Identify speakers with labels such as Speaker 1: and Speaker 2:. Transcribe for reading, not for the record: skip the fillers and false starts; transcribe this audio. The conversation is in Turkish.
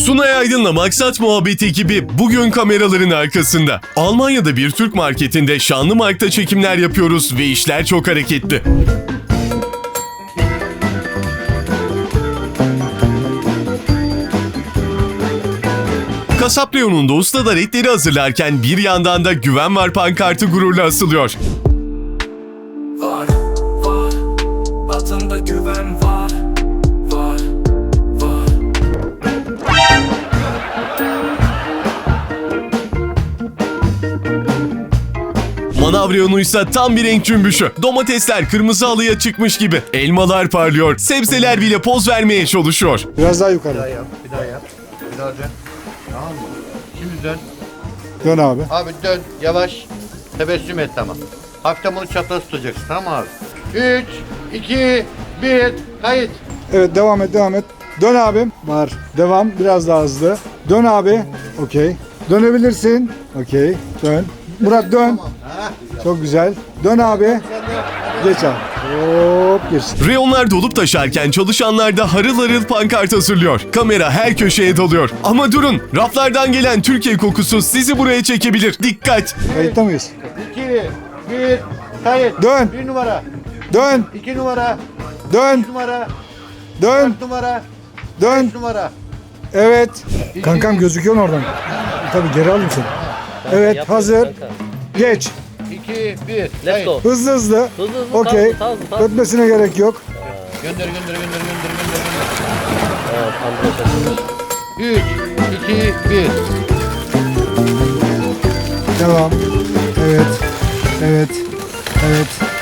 Speaker 1: Sunay Aydın'la Maksat Muhabbeti ekibi bugün kameraların arkasında. Almanya'da bir Türk marketinde şanlı markta çekimler yapıyoruz ve işler çok hareketli. Kasap reyonunda ustalar etleri hazırlarken bir yandan da güven var pankartı gururla asılıyor.
Speaker 2: Var, var, vatanda güven var, var, var.
Speaker 1: Manav reyonuysa tam bir renk cümbüşü. Domatesler kırmızı halıya çıkmış gibi. Elmalar parlıyor. Sebzeler bile poz vermeye çalışıyor.
Speaker 3: Biraz daha yukarı.
Speaker 4: Bir daha yap, bir daha yap. Bir daha dön. Tamam mı? Şimdi dön.
Speaker 3: Dön abi.
Speaker 4: Abi dön, yavaş. Tebessüm et tamam. Hafiften bunu çapraz tutacaksın tamam mı abi? 3, 2, 1, kayıt.
Speaker 3: Evet devam et devam et. Dön abim. Var. Devam. Biraz daha hızlı. Dön abi. Okey. Dönebilirsin. Okey. Dön. Murat dön. Çok güzel. Dön abi. Geç abi. Hop geç.
Speaker 1: Reyonlar dolup taşarken çalışanlar da harıl harıl pankart hazırlıyor. Kamera her köşeye dalıyor. Ama durun, raflardan gelen Türkiye kokusu sizi buraya çekebilir. Dikkat!
Speaker 3: Kayıtta mıyız?
Speaker 4: 2, 1, kayıt.
Speaker 3: Dön.
Speaker 4: 1 numara,
Speaker 3: Dön.
Speaker 4: 2 numara,
Speaker 3: Dön.
Speaker 4: 3 numara,
Speaker 3: Dön.
Speaker 4: 4 numara,
Speaker 3: Dön.
Speaker 4: 5 numara.
Speaker 3: Evet. Kankam gözüküyor oradan. Tabii geri alayım seni. Evet hazır. Geç.
Speaker 4: 2, 1,
Speaker 5: Let's
Speaker 4: kayıt.
Speaker 5: go.
Speaker 3: Hızlı hızlı.
Speaker 5: Hızlı hızlı.
Speaker 3: Okey.
Speaker 5: Tamam.
Speaker 3: Ötmesine gerek yok.
Speaker 4: Gönder.
Speaker 5: Evet, anlaşıldı.
Speaker 4: 3, 2, 1.
Speaker 3: Devam. Evet. Evet. Evet.